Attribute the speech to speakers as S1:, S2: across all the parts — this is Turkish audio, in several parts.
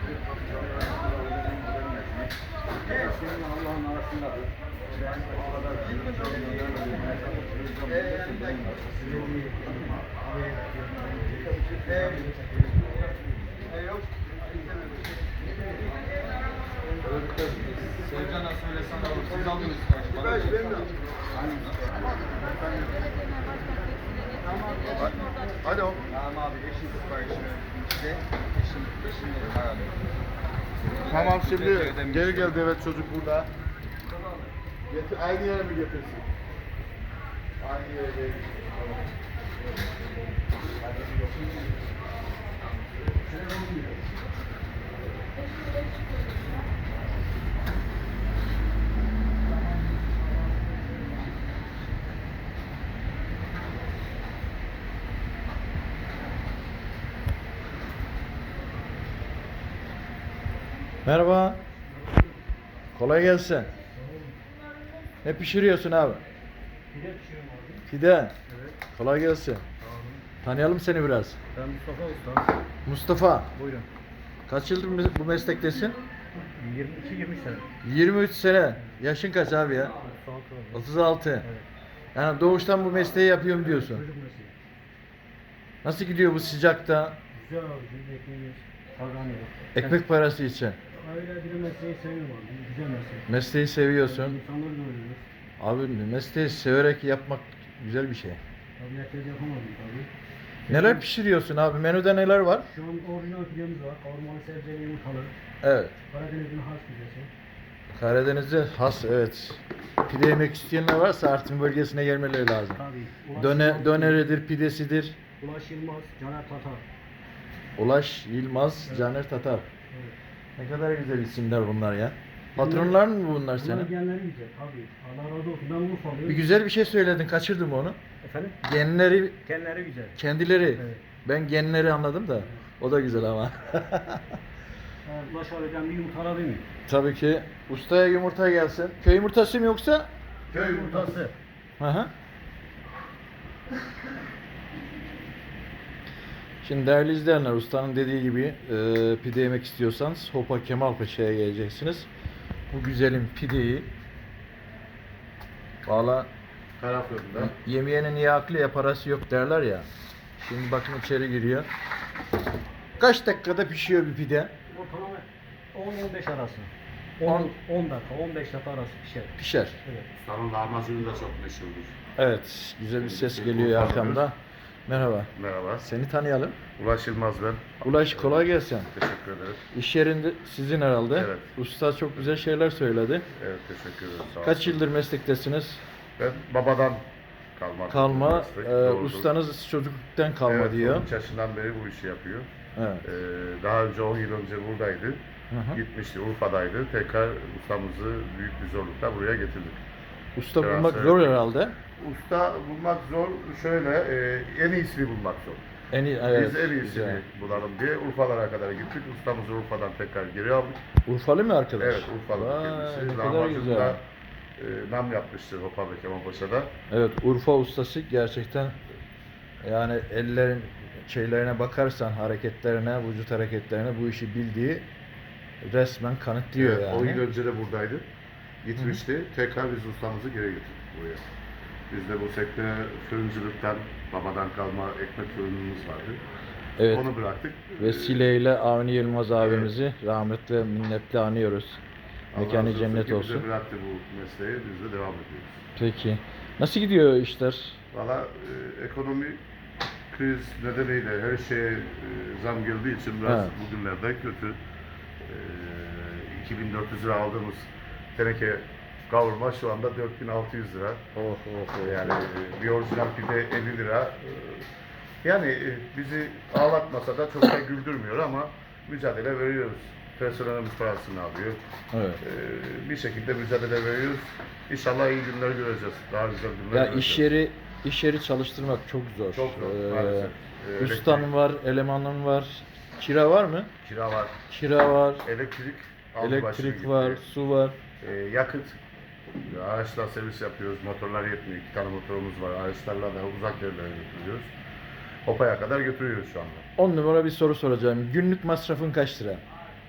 S1: Senin Allah'ın arasındadır. Ben o kadar
S2: Sevcan'a söylesen olur. Siz aldınız.
S1: Alo.
S2: Tamam abi. Eşin siparişini işte. Eşin herhalde.
S1: Tamam şimdi
S2: Teşekkür ederim.
S1: geri geldi, evet, çocuk burada. Aynı yere mi getirsin? Aynı yere geldi. Tamam.
S3: Merhaba. Kolay gelsin. Ne pişiriyorsun abi?
S4: Pide pişiriyorum abi.
S3: Pide.
S4: Evet.
S3: Kolay gelsin. Tanıyalım seni biraz.
S4: Ben Mustafa Usta.
S3: Mustafa.
S4: Buyurun.
S3: Kaç yıldır bu meslektesin?
S4: 22-23 sene.
S3: 23 sene. Yaşın kaç abi ya? 36.
S4: Evet.
S3: Yani doğuştan bu mesleği yapıyorum diyorsun.
S4: Çocuk mesleği.
S3: Nasıl gidiyor bu sıcakta?
S4: Güzel abi. Biz ekmeğimiz kazanıyoruz.
S3: Ekmek parası için.
S4: Öyle bir mesleği seviyorum abi. Güzel meslek.
S3: Mesleği seviyorsun.
S4: İnsanları görüyoruz.
S3: Abi mesleği severek yapmak güzel bir şey.
S4: Tabii herkes yapamadım tabii.
S3: Neler pişiriyorsun abi? Menüde neler var?
S4: Şu an orijinal pidemiz var. Kavurmalı sebzeli yumurtalı.
S3: Evet.
S4: Karadeniz'in has pidesi.
S3: Karadeniz'de has, evet. Pide yemek isteyenler varsa Artvin bölgesine gelmeleri lazım.
S4: Tabii.
S3: Döneridir, pidesidir.
S4: Ulaş Yılmaz, Caner Tatar.
S3: Ulaş, Yılmaz,
S4: Evet.
S3: Caner Tatar.
S4: Evet.
S3: Ne kadar güzel isimler bunlar ya. Patronlar mı bunlar
S4: Bunlar
S3: senin?
S4: genleri güzel tabii. Allah razı olsun. Ben Urfalıyım.
S3: Bir güzel bir şey söyledin, kaçırdım onu.
S4: Efendim?
S3: Genleri,
S4: Genleri güzel.
S3: kendileri.
S4: Evet.
S3: Ben genleri anladım da. O da güzel ama.
S4: Ulaş abiden bir yumurta alabilir miyim?
S3: Tabii ki. Ustaya yumurta gelsin. Köy yumurtası mı yoksa?
S4: Köy yumurtası.
S3: Hı hı. Şimdi değerli izleyenler, ustanın dediği gibi pide yemek istiyorsanız Hopa Kemalpaşa'ya geleceksiniz. Bu güzelim pideyi valla
S1: Taraflarında.
S3: yemeyenin ya aklı ya parası yok derler ya. Şimdi bakın içeri giriyor. Kaç dakikada pişiyor bir pide?
S4: Ortalama 10-15 arası.
S3: 10
S4: 10 dakika, 15 dakika arası pişer.
S3: Pişer.
S4: Evet.
S1: Ustanın lahmacunu da çok meşhurdur.
S3: Evet, güzel bir ses geliyor arkamda. Merhaba.
S1: Merhaba.
S3: Seni tanıyalım.
S1: Ulaş Yılmaz ben.
S3: Ulaş, kolay gelsin.
S1: Teşekkür ederiz.
S3: İş yerinde sizin herhalde.
S1: Evet.
S3: Usta çok güzel şeyler söyledi.
S1: Evet, teşekkür ederiz. Sağ
S3: Kaç
S1: olsun.
S3: yıldır meslektesiniz?
S1: Ben babadan
S3: Kalma.
S1: meslek, doğrudur.
S3: Ustanız çocukluktan kalma
S1: Evet,
S3: diyor.
S1: 13 yaşından beri bu işi yapıyor.
S3: Evet.
S1: Daha önce 10 yıl önce buradaydı.
S3: Hı hı.
S1: Gitmişti, Urfa'daydı. Tekrar ustamızı büyük bir zorlukla buraya getirdik.
S3: Usta
S1: Biraz
S3: bulmak
S1: evet.
S3: zor herhalde.
S1: Usta bulmak zor. Şöyle, en iyisini bulmak zor.
S3: En iyi, evet.
S1: Biz en iyisini
S3: güzel.
S1: bulalım diye Urfalara kadar gittik. Ustamızı Urfa'dan tekrar geri aldık.
S3: Urfalı mı arkadaş?
S1: Evet, Urfalı
S3: Vay,
S1: kendisi.
S3: ne kadar
S1: Lahmacun'da
S3: güzel.
S1: nam yapmıştır Hopa ve Kemalpaşa'da.
S3: Evet, Urfa ustası gerçekten, yani ellerin şeylerine bakarsan, hareketlerine, vücut hareketlerine bu işi bildiği resmen kanıtlıyor
S1: Evet,
S3: yani.
S1: 10 yıl önce de buradaydı. Gitmişti. Tekrar biz ustamızı geri getirdik buraya. Biz de bu sektöre fırıncılıktan, babadan kalma ekmek fırınımız vardı.
S3: Evet.
S1: Onu bıraktık.
S3: Vesileyle Avni Yılmaz abimizi rahmetle ve minnetle anıyoruz.
S1: Allah
S3: Mekanı
S1: razı
S3: cennet
S1: ki
S3: olsun.
S1: Bize bıraktı bu mesleği, biz de devam ediyoruz.
S3: Peki. Nasıl gidiyor işler?
S1: Valla ekonomi kriz nedeniyle her şeye zam geldiği için biraz
S3: Evet.
S1: bugünlerde kötü. 2400 lira aldığımız teneke kavurma şu anda 4600 lira.
S3: Oh.
S1: Yani bir orijinal pide 50 lira. Yani bizi ağlatmasa da çok da güldürmüyor ama mücadele veriyoruz. Personelimiz parasını alıyor.
S3: Evet.
S1: Bir şekilde mücadele veriyoruz. İnşallah iyi günler göreceğiz. Daha güzel günler
S3: Ya
S1: göreceğiz.
S3: iş yeri çalıştırmak çok zor.
S1: Çok zor, maalesef.
S3: Ustanın var, elemanın var. Kira var mı?
S1: Kira var,
S3: Kira var,
S1: elektrik, aldı başını
S3: elektrik
S1: gitti.
S3: var, su var.
S1: Yakıt. Araçlar servis yapıyoruz. Motorlar yetmiyor. 2 tane motorumuz var. Araçlarla da uzak yerlere götürüyoruz. Hopa'ya kadar götürüyoruz şu anda.
S3: 10 numara bir soru soracağım. Günlük masrafın kaç lira?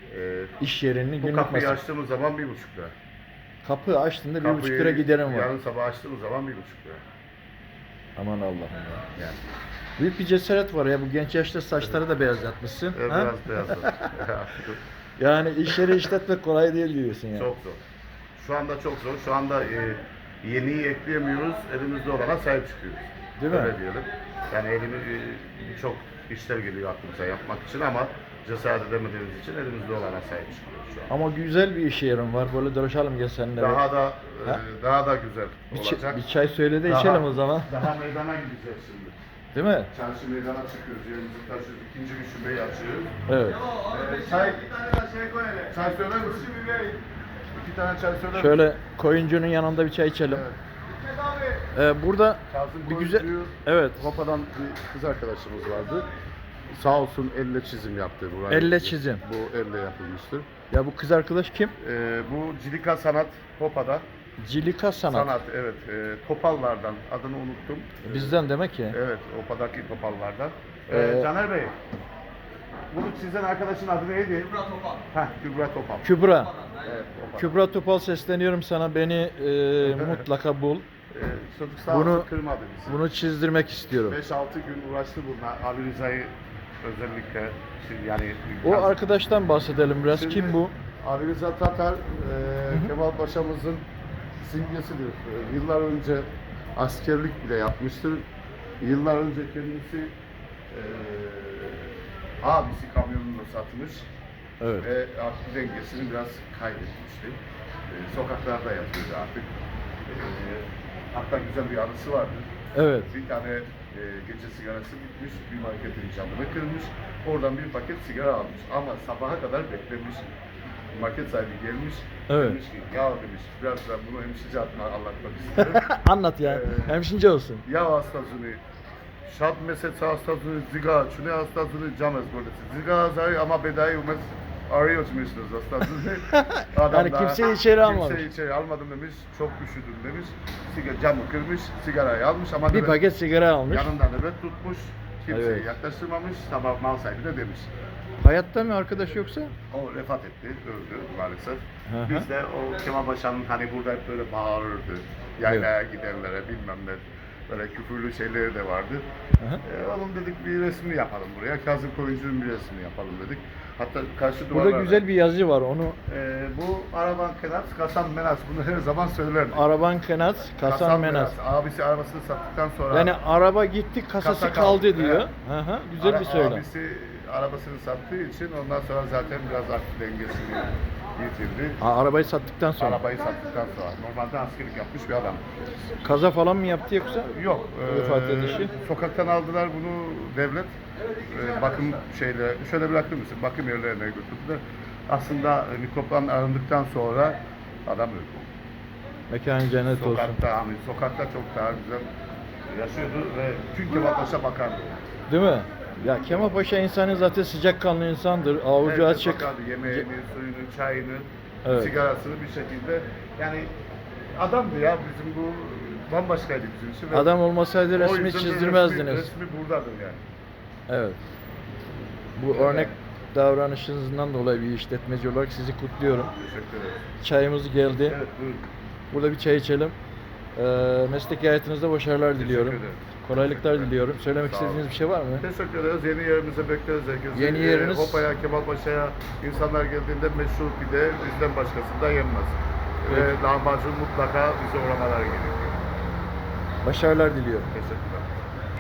S3: İş yerinin
S1: Bu
S3: günlük
S1: kapıyı
S3: masrafı.
S1: açtığımız zaman 1,5 lira.
S3: Kapı açtığında 1,5
S1: Kapıyı
S3: lira giderim var.
S1: yarın sabah açtığımız zaman 1,5 lira.
S3: Aman Allah'ım ya.
S1: Yani.
S3: Büyük bir cesaret var ya, bu genç yaşta saçları da beyazlatmışsın. Ha?
S1: Biraz beyaz.
S3: Yani iş yeri işletmek kolay değil diyorsun yani.
S1: Çok zor. Şu anda çok zor. Şu anda yeniyi ekleyemiyoruz. Elimizde olana sahip çıkıyoruz.
S3: Değil mi?
S1: Öyle diyelim. Yani birçok işler geliyor aklımıza yapmak için ama cesaret edemediğimiz için elimizde olana sahip çıkıyoruz şu an.
S3: Ama güzel bir iş yerim var. Böyle dolaşalım gel seninle.
S1: Daha da
S3: Ha?
S1: daha da güzel
S3: bir,
S1: olacak.
S3: bir çay söyle de
S1: Daha-
S3: içelim o zaman.
S1: Daha meydana gideceğiz şimdi.
S3: Değil mi?
S1: Çarşı meydana çıkıyoruz. Yerimizi taşıyoruz. İkinci bir şubeyi açıyoruz.
S3: Evet.
S1: Çay söyler misin? 2 tane çay söyler misin?
S3: Şöyle koyuncunun yanında bir çay içelim.
S1: Evet.
S3: Burada
S1: Kazım
S3: bir güzel...
S1: Koyuncu'yu
S3: Evet.
S1: Hopa'dan bir kız arkadaşımız vardı. Sağ olsun elle çizim yaptı. Burayı.
S3: Elle çizim.
S1: Bu elle yapılmıştır.
S3: Ya bu kız arkadaş kim?
S1: Bu Cilika Sanat Hopa'da.
S3: Cilika Sanat.
S1: Evet. Topallardan. Adını unuttum.
S3: Bizden demek ki.
S1: Evet. Hopa'daki topallardan.
S3: Ee,
S1: Caner Bey. Bunu çizen arkadaşın adı neydi? Kübra Topal. Kübra Topal.
S3: Kübra.
S1: Evet, Topal.
S3: Kübra Topal sesleniyorum sana. Beni mutlaka bul.
S1: Çocuk sağ
S3: Bunu-
S1: olsun kırmadı bizi.
S3: Bunu çizdirmek istiyorum.
S1: 5-6 gün uğraştı bununla. Ali Rıza'yı özellikle yani
S3: O arkadaştan bahsedelim biraz.
S1: Şimdi
S3: Kim bu?
S1: Ali Rıza Tatar Kemal Paşa'mızın simgesidir. Yıllar önce askerlik bile yapmıştır. Yıllar önce kendisi abisi kamyonunu satmış
S3: Evet.
S1: ve aklı dengesini biraz kaybetmişti. Sokaklarda yatıyordu artık. Hatta güzel bir anısı vardır.
S3: Evet.
S1: Bir tane gece sigarası bitmiş, bir marketin camını kırmış, oradan bir paket sigara almış ama sabaha kadar beklemiş. Market sahibi gelmiş,
S3: Evet.
S1: demiş ki ya demiş, biraz ben bunu hemşice adına anlatmak istiyorum.
S3: Anlat ya. Hemşince olsun.
S1: Ya hastasını, şad meset hastasını, ziga, çüne hastasını camez böylesi. Ziga zay ama bedayı umez arıyorsunuz hastasını.
S3: Yani kimseyi içeri almamış.
S1: Kimseyi içeri almadım demiş, çok üşüdüm demiş. Camı kırmış, sigarayı almış ama
S3: Bir paket sigara almış.
S1: yanında nöbet tutmuş, kimseyi
S3: Evet.
S1: yaklaştırmamış, sabah mal sahibi de demiş.
S3: Hayatta mı arkadaş yoksa?
S1: O vefat etti, öldü maalesef.
S3: Hı hı.
S1: Biz de o Kemal Paşa'nın hani burada hep böyle bağırırdı. Yaylaya gidenlere bilmem ne, böyle küfürlü şeyleri de vardı.
S3: Hı hı.
S1: Oğlum dedik bir resmini yapalım buraya. Kazım Koyuncu'nun bir resmini yapalım dedik. Hatta karşı
S3: Burada
S1: duvarlarda.
S3: güzel bir yazı var. Onu
S1: Bu Araban Kenat, Kasan Menas. Bunu her zaman söylerdi.
S3: Araban Kenat, Kasan Menas.
S1: Abisi arabasını sattıktan sonra...
S3: Yani araba gitti, kasası
S1: Kasa
S3: kaldı
S1: kaldı,
S3: diyor.
S1: evet.
S3: Hı hı, güzel bir söylem.
S1: Abisi arabasını sattığı için ondan sonra zaten biraz aklı dengesini yitirdi.
S3: Ha, arabayı sattıktan sonra.
S1: Arabayı sattıktan sonra. Normalde askerlik yapmış bir adam.
S3: Kaza falan mı yaptı yoksa?
S1: Yok.
S3: Vefat edişi.
S1: Sokaktan aldılar bunu devlet. Bakım şöyle bırakır mısın? Bakım yerlerine götürdüler. Aslında mikroptan arındıktan sonra adam öldü.
S3: Mekanı cennet olsun.
S1: Sokakta çok daha güzel yaşıyordu ve tüm Kemal Paşa bakardı.
S3: Değil mi? Ya Kemal Paşa insanı zaten sıcakkanlı insandır. Avucu
S1: Herkes
S3: açık.
S1: bakardı. Yemeğini, suyunu, çayını,
S3: Evet.
S1: sigarasını bir şekilde. Yani adamdı ya bizim bu bambaşkaydı bizim için. Ve
S3: Adam olmasaydı
S1: o
S3: resmi
S1: yüzden de
S3: çizdirmezdiniz.
S1: Resmi buradadır yani.
S3: Evet. Bu örnek davranışınızdan dolayı bir işletmeci olarak sizi kutluyorum.
S1: Teşekkür ederim.
S3: Çayımız geldi.
S1: Evet buyurun.
S3: Burada bir çay içelim. Mesleki hayatınızda başarılar diliyorum.
S1: ederim.
S3: Kolaylıklar
S1: Teşekkür
S3: diliyorum. Söylemek
S1: Sağ olun.
S3: istediğiniz bir şey var mı?
S1: Teşekkür ederiz. Yeni yerimize bekleriz herkesi.
S3: Yeni yeriniz?
S1: Hopa'ya, Kemalpaşa'ya insanlar geldiğinde meşhur pide bizden başkasında yenmez.
S3: Evet.
S1: Ve lahmacun mutlaka bize uğramalar gerekiyor.
S3: Başarılar diliyorum.
S1: Teşekkürler.